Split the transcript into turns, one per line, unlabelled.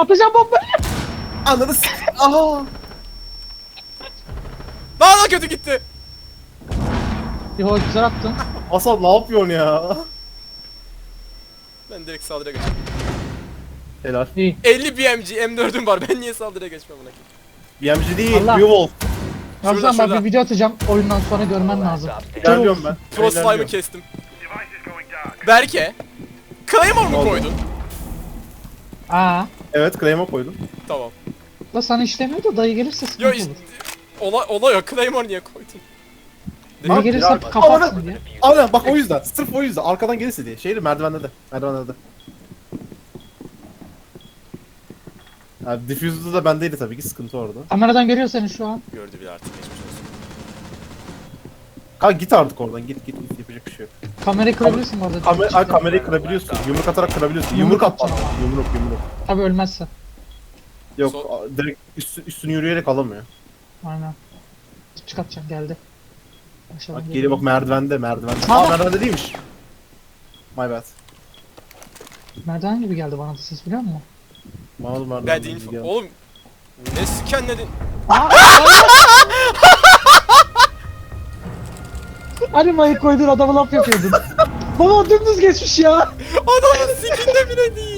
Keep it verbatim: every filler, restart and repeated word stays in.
Atacağım bombayı.
Ananı s***. Aha.
Daha da kötü gitti.
Yo güzel attın.
Hasan ne yapıyorsun ya?
Ben direkt saldırıya geçeyim.
Helal.
İyi.
elli B M G M dördüm var. Ben niye saldırıya geçmem buna?
B M G değil,
Allah.
Beowulf.
Ramazan
şurada.
bak bir video atacağım. Oyundan sonra görmen lazım.
İlerliyorum ben.
Cross slime'ı
İlerliyorum.
kestim. Berke. Claymore mu
Oldu.
koydun?
Aa.
Evet, claim'e koydum.
Tamam.
La sana işlemiyor da dayı gelirse sıkıntı
Yo
olur.
işte. Olay, olay o. Claymore niye koydun?
Dayı
Abi,
gelirse
ya-
kapatsın diye.
Aynen bak o yüzden. Sırf o yüzden. Arkadan gelirse diye. Şeyde merdivende de. Merdivende de. Yani diffuser'da da bendeydi tabii ki, sıkıntı orada.
Kameradan görüyor seni şu an.
Gördü bile artık, geçmiş olsun.
Kanka git artık oradan, git git git, yapacak bir şey yok.
Kamerayı kırabilirsin bu arada.
Kamer ay, kamerayı kırabiliyorsun. Yumruk atarak kırabiliyorsun. Yumruk
Yumruk
at bana.
atacağım.
Yumruk yumruk.
Tabii ölmezse.
Yok
So-
a- direkt üstü, üstünü yürüyerek alamıyor.
Aynen. Çıkartacağım geldi. Aşağıdan
Bak geliyor bak, merdivende merdivende.
Ha.
Aa merdivende değilmiş. My bad.
Merdiven gibi geldi bana da ses biliyor musun?
Bana da merdivende
Ben değil.
geldi.
Oğlum. Ne skenledin?
Aa! Hani mayı koydun adamı laf yapıyordun. Baba dümdüz geçmiş ya.
Adamın sikinde bile değil.